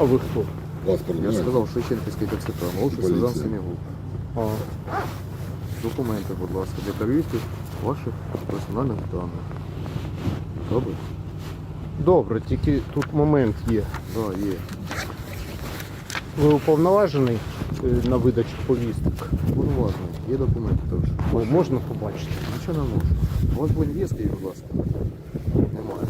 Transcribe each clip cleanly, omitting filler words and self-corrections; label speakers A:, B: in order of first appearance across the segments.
A: ви хто?
B: Паспорт,
C: Я ж
B: знаєте?
C: сказав, Шевченківський ТЦК, молодший
B: Поліція.
C: сержант Семігул.
A: А,
C: Документи, будь ласка, для перевірки ваших персональних даних. Добре?
A: добре, тільки тут момент є.
C: Так, є.
A: Ви уповноважений на видачу повісток?
C: Повноважно. Є документи теж.
A: О, можна побачити?
C: Нічого не можу. У вас будь в'їзки, будь ласка. Немає.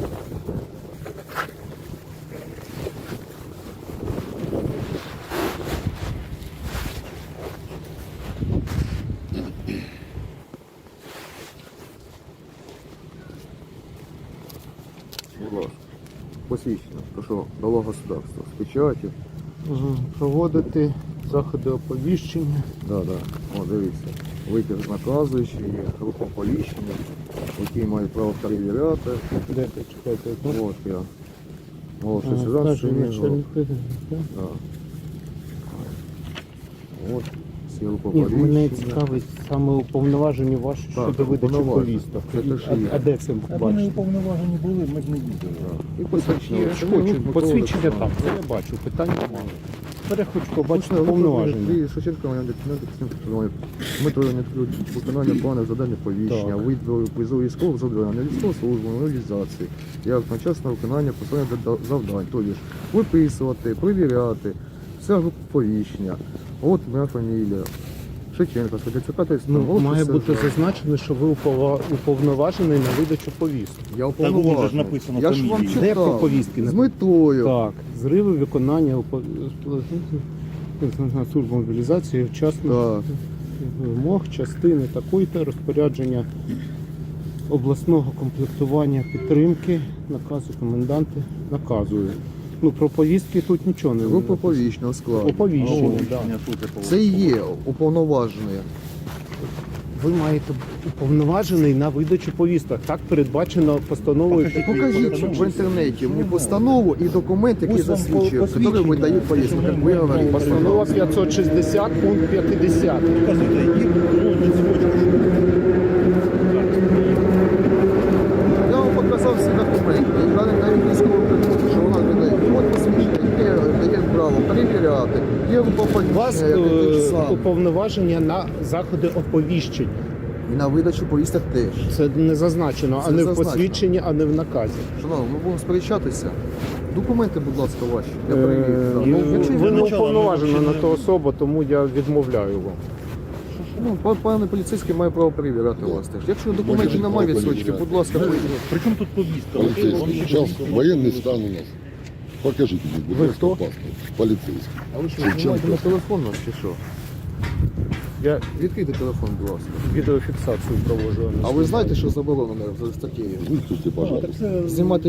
C: Будь ласка. Посвідчено. Прошу, дало государство. З печаті.
A: Проводити заходи оповіщення.
C: Да. О, дивіться. Витяг наказуючий, є група оповіщення, які мають право перевіряти.
A: Де ти чекайте?
C: От я. Молодший сержант Семігул. Да. От, всі група
A: Ні, мене
C: оповіщення.
A: цікавить саме уповноважені ваші
C: Так,
A: щодо видачі
C: уповноважені.
A: повісток.
C: Це те, що є.
A: А де це
D: Аби не
A: бачите?
D: уповноважені були, ми б не їздили.
C: І посвідчення.
A: Я ж хочу посвідчення там, це я бачу, питань немає. Тепер я хочу побачити уповноваження.
C: Шевченко, Дмитро Леонідович, виконання плану завдання повіщення, визову військових завдань, на військову службу, мобілізації, як одночасне виконання посадних завдань, тобто ж виписувати, перевіряти, вся група повіщення. От моя фамілія. Шевченко,
A: Ну, має бути зазначено, що ви уповноважений на видачу повісток.
C: Я
D: Так, воно ж
C: уповноважений.
D: написано
C: Я ж вам
D: фамілії.
A: Де
C: читав.
A: по повістки
C: З метою.
A: Так, зриви виконання служби мобілізації вчасно
C: Так.
A: вимог частини такої-то розпорядження обласного комплектування підтримки, наказу коменданти наказує. Ну, про повістки тут нічого не
C: Група повіщного складу.
A: Оповіщення, так.
C: Це і є уповноважений.
A: Ви маєте уповноважений на видачу повісток. Так передбачено постановою.
C: Покажіть в інтернеті мені постанову і документ, який
D: Ось вам
C: засвідчує, який
D: посвідчення.
C: видає повістку, як ви говорите.
A: Постанова 560, пункт 50.
D: Показуйте, які природні цвочки.
C: Я вам показав всі документи. Я навіть військову прикладу, що вона видає. От посвідчення, яке право перевіряти. Є група
A: У вас
C: повіщення, яке те ж саме.
A: уповноваження на заходи оповіщень.
C: І на видачу повісток теж.
A: Це не зазначено, а
C: Це
A: не в
C: зазначено.
A: посвідченні, а не в наказі.
C: Шановні, ми будемо сперечатися. Документи, будь ласка, ваші. Я перевірю. Так.
A: Ну,
C: Якщо
A: ви не
D: начала,
A: уповноважена
D: ми
A: на
D: ще
A: ту
D: не-
A: особу, тому я відмовляю вам.
C: Ну, пане поліцейський має право перевіряти вас теж. Якщо документів немає відсочки, будь ласка, поїдіть.
D: Причому тут повістка?
B: Полицейский. Сейчас военный стан у нас. Покажите мне, будь
A: Вы
B: ласка,
A: кто?
B: паспорт. Полицейский.
C: А ви що,
B: Шевченко.
C: знімаєте на телефон наш чи що?
A: Я
C: Відкрийте телефон, будь ласка.
A: відеофіксацію проводжу.
C: А ви знаєте, що заборонено за статтєю?
B: Выслушайте, пожалуйста.
C: Знімати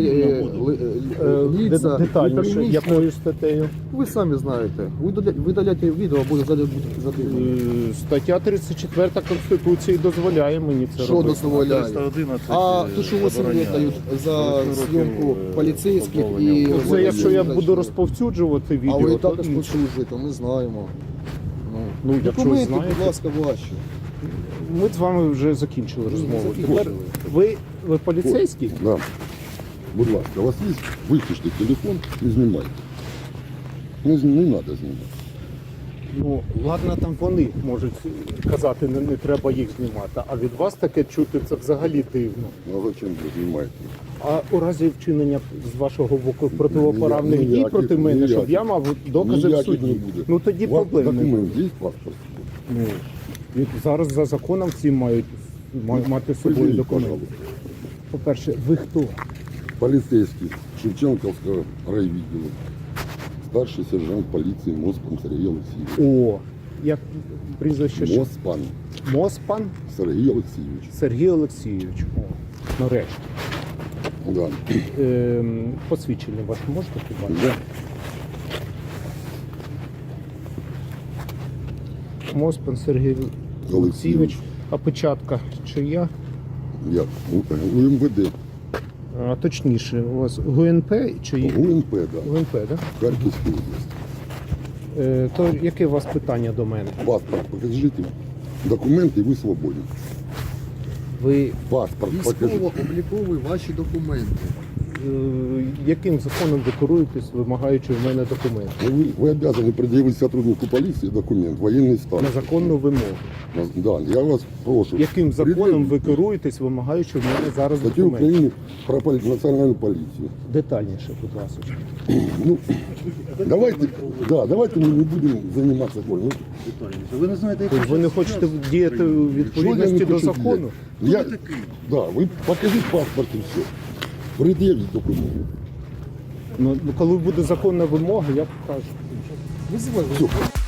C: ліца,
A: детальніше,
C: переміщення.
A: якою статтею?
C: Ви самі знаєте. Ви видаляєте відео, буде задивлено.
A: Стаття 34 Конституції дозволяє мені це
C: Що
A: робити.
C: дозволяє?
D: 311
C: А то, що 8 лет дають за зйомку поліцейських і...
A: Це якщо я буду розповсюджувати
C: А
A: відео,
C: ви і
A: то
C: також
A: інше.
C: послужуєте, ми знаємо.
A: Ну, якщо
C: Документи,
A: знаєте.
C: будь ласка, ваші.
A: Ми з вами вже закінчили розмову.
C: закінчили.
A: Тепер ви поліцейський?
B: Да. Будь ласка, у вас есть? Выключите телефон и снимайте. Не надо снимать.
A: Ну, ладно, там вони можуть казати, не треба їх знімати, а від вас таке чути, це взагалі дивно.
B: Ну а зачем вы снимаете?
A: А у разі вчинення з вашого боку противоправних дій
B: Ніяких-
A: проти мене, щоб
B: ніяких.
A: я мав докази в
B: Ніяких
A: суді.
B: не буде.
A: Ну тоді
B: У вас
A: проблем немає.
B: документ есть паспорт?
A: Ну, і зараз за законом всі мають мати з собою
B: Предъявите,
A: документи.
B: пожалуйста.
A: По-перше, ви хто?
B: Полицейский Шевченковского райвідділу. Старший сержант полиции Моспан Сергей Алексеевич.
A: О, як прізвище ще?
B: Моспан
A: Моспан
B: Сергей Алексеевич.
A: Сергій Олексійович. О, нарешті.
B: Да.
A: Посвідчення ваше можете побачити?
B: Да.
A: Моспан Сергій Олексійович. А печатка чия?
B: Я у МВД.
A: А точніше, у вас ГУНП чи
B: УНП, да.
A: ГУНП, так?
B: Харківська область.
A: То яке у вас питання до мене?
B: Паспорт покажите. Документы, и вы свободны.
A: Ви
B: Паспорт покажите.
C: Військово-облікові ваші документи.
A: яким законом ви керуєтесь, вимагаючи в мене документи?
B: Вы обязаны предъявить сотруднику полиции документ, военный стан.
A: На законну вимогу.
B: Да, я вас прошу.
A: Яким законом
B: предъявить
A: ви керуєтесь, вимагаючи в мене зараз
B: статтю
A: документи?
B: України про національну поліцію.
A: Детальніше, будь ласка.
B: Ну, давайте ми не будемо займатися болью.
D: Ви не знаєте,
A: Тобто ви не хочете діяти у відповідності до закону?
B: Ви покажіть паспорт і все. Пред'явіть документи.
A: Ну, коли буде законна вимога, я покажу.
B: Все.